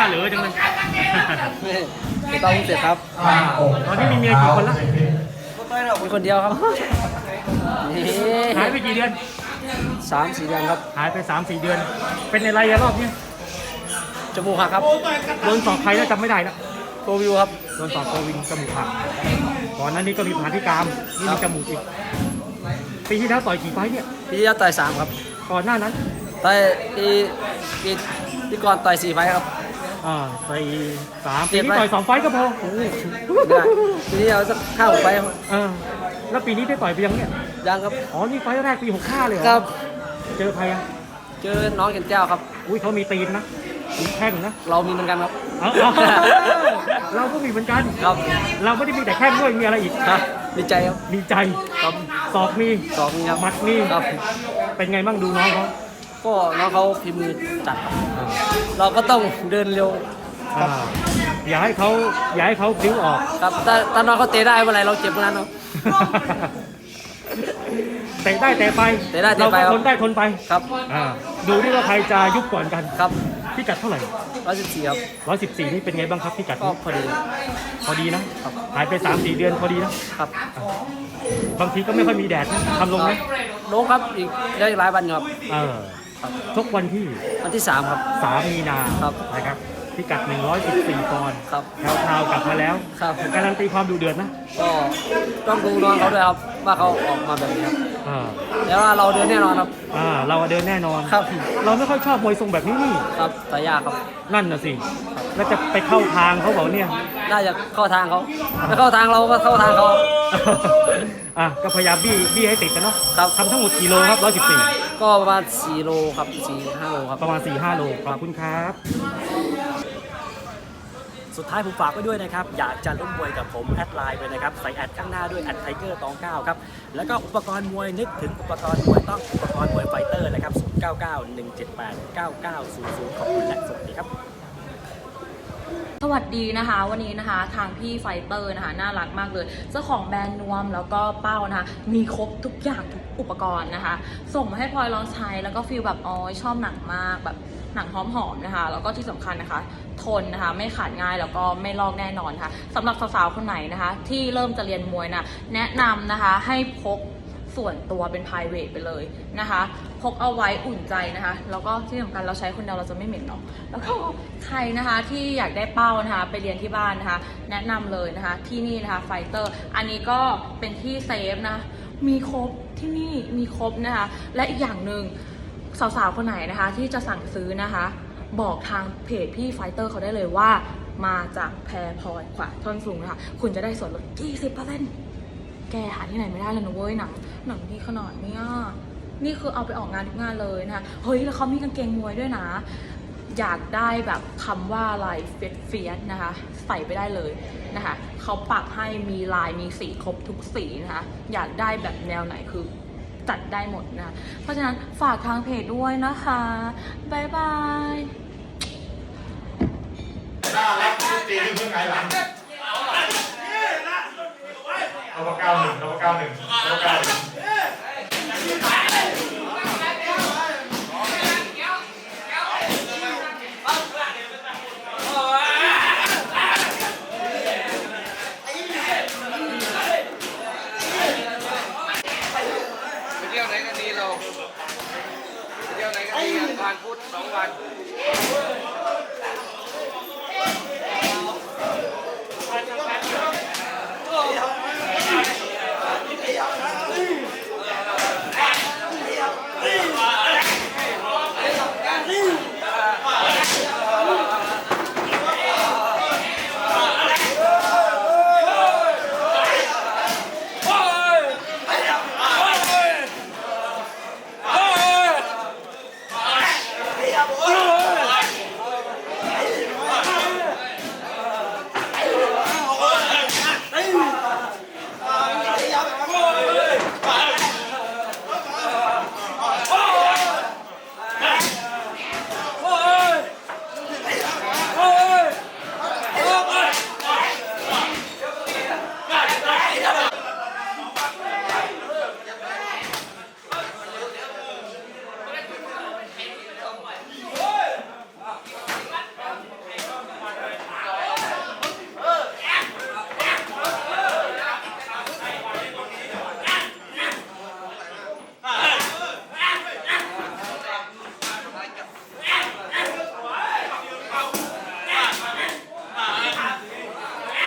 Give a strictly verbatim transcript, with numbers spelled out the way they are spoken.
เหลือจังเลยไม่ต้องเสร็จครับตอนนี้มีเมียกี่คนละมีคนเดียวครับนี่หายไปกี่เดือนสามสี่เดือนครับหายไปสามสี่เดือน เป็นอะไรอะรอบนี้จมูกหักครับโดนสอบใครแล้วจำไม่ได้แล้วโควิวครับโดนสอบโควิดจมูกหักก่อนหนั้นนี่ก็มีผ่าที่กรามนี่มีจมูกอีกปีที่แล้วต่อยกี่ไฟต์เนี่ยพี่ที่ต่อยสามครับก่อนหน้านั้นต่อยปีปีปีก่อนต่อยสี่ไฟท์ครับอ่าต่อยสามเจ็ปีดนี้ไฟต์ต่อยสองไฟต์ก็พอไม่ได้ปีนี้เอาสักห้าหกไฟท์ครับเออแล้วปีนี้ได้ต่อยไปยังเนี่ยยังครับอ๋อนี่ไฟต์แรกปีหกห้าเลยเหรอครับเจอใครอ่ะเจอน้องเก่นแก้วครับอุ้ยเขามีตีนนะมีแข้งนะเรามีเหมือนกันครับเอาเอาเราก็มีเหมือนกันครับเราไม่ได้มีแต่แข้งด้วยมีอะไรอีกครับดีใจครับมีใจครับศอกมีสองนี้ครับหมัดมีครับเป็นไงบ้างดูน้องเขาก็น้องเขาพิมพ์มือจัดครับเราก็ต้องเดินเร็วอ่าอย่าให้เขาอย่าให้เขาพลิ้วออกครับถ้าถ้าน้องเขาเตะได้เมื่อไหร่เราเจ็บเมื่อนั้นครับเตะได้เตะไปเตะได้เตะไปเราครับก็ทนได้ทนไปครับอ่าดูที่ว่าใครจะยุบก่อนกันครับพิกัดเท่าไหร่ร้อยสิบสี่ครับร้อยสิบสี่นี่เป็นไงบ้างครับพิกัดก็นี้พอดีพอดีนะหายไปสามสี่เดือนพอดีนะครับ บางทีก็ไม่ค่อยมีแดดนะทำลงไหมลงครับอีกได้หลายวันอยู่ครับเออชกวันที่วันที่สามครับสามมีนาครับนะครับพิกัดหนึ่งร้อยสิบสี่ปอนด์ครับแถวทาวกลับมาแล้วครับการันตีความดูเดือดนะก็ต้องดูน้องเขาด้วยครับว่าเขาออกมาแบบนี้ครับอ่าแล้วว่าเราเดินแน่นอนครับอ่าเราเดินแน่นอนครับเราไม่ค่อยชอบมวยทรงแบบนี้นี่ครับแต่ยากครับนั่นน่ะสิ แล้วจะไปเข้าทางเขาเปล่าเนี่ยน่าจะเข้าทางเขาถ้าเข้าทางเราก็เข้าทางเขาอ่ะก็พยายามบี้บี้ให้ติดกันเนาะครับทำทั้งหมดกี่โลครับร้อยสิบสี่ก็ประมาณสี่โลครับสี่ห้าโลครับประมาณสี่ห้าโลขอบคุณครับสุดท้ายผมฝากไว้ด้วยนะครับ อยากจะลุ้นมวยกับผมแอดไลน์ไปนะครับ ใส่แอดข้างหน้าด้วยแอดไทเกอร์ตองเก้าครับ แล้วก็อุปกรณ์มวยนึกถึงอุปกรณ์มวยต้องอุปกรณ์มวยไฟเตอร์นะครับศูนย์ เก้า เก้า หนึ่ง เจ็ด แปด เก้า เก้า ศูนย์ ศูนย์ขอบคุณและสวัสดีครับสวัสดีนะคะวันนี้นะคะทางพี่ไฟเตอร์นะคะน่ารักมากเลยเจ้าของแบรนด์นวมแล้วก็เป้านะคะมีครบทุกอย่างทุกอุปกรณ์นะคะ ส่งมาให้พลอยลองใช้แล้วก็ฟีลแบบอ๋อชอบหนังมากแบบหนังหอมๆนะคะแล้วก็ที่สำคัญนะคะทนนะคะไม่ขาดง่ายแล้วก็ไม่ลอกแน่นอนค่ะสำหรับสาวๆคนไหนนะคะที่เริ่มจะเรียนมวยนะแนะนำนะคะให้พกส่วนตัวเป็น private ไปเลยนะคะพกเอาไว้อุ่นใจนะคะแล้วก็ที่สำคัญเราใช้คนเดียวเราจะไม่เหม็นเนาะแล้วก็ใครนะคะที่อยากได้เป้านะคะไปเรียนที่บ้านนะคะแนะนำเลยนะคะที่นี่นะคะไฟเตอร์อันนี้ก็เป็นที่เซฟนะมีครบที่นี่มีครบนะคะและอีกอย่างหนึ่งสาวๆคนไหนนะคะที่จะสั่งซื้อนะคะบอกทางเพจพี่ไฟเตอร์เขาได้เลยว่ามาจากแพรพลอยขวาท่อนสูงนะคะคุณจะได้ส่วนลด ยี่สิบเปอร์เซ็นต์ แกหาที่ไหนไม่ได้เลยนะเว้ยหนังหนังที่ขนาดเนี้ยนี่คือเอาไปออกงานทุกงานเลยนะคะเฮ้ยแล้วเขามีกางเกงมวยด้วยนะอยากได้แบบคำว่าลายเฟียสเฟียสนะคะใส่ไปได้เลยนะคะเขาปักให้มีลายมีสีครบทุกสีนะคะอยากได้แบบแนวไหนคือจัดได้หมดนะเพราะฉะนั้นฝากทางเพจด้วยนะคะบ๊ายบายน่ารักตีขึ้นเพื่อไงหลังเอาเก้าหนึ่งเอาเก้าหนึ่งเอาเก้าหนึ่งไปเที่ยวไหนกันดีเราไปเที่ยวไหนกันดีวันพุธสองวัน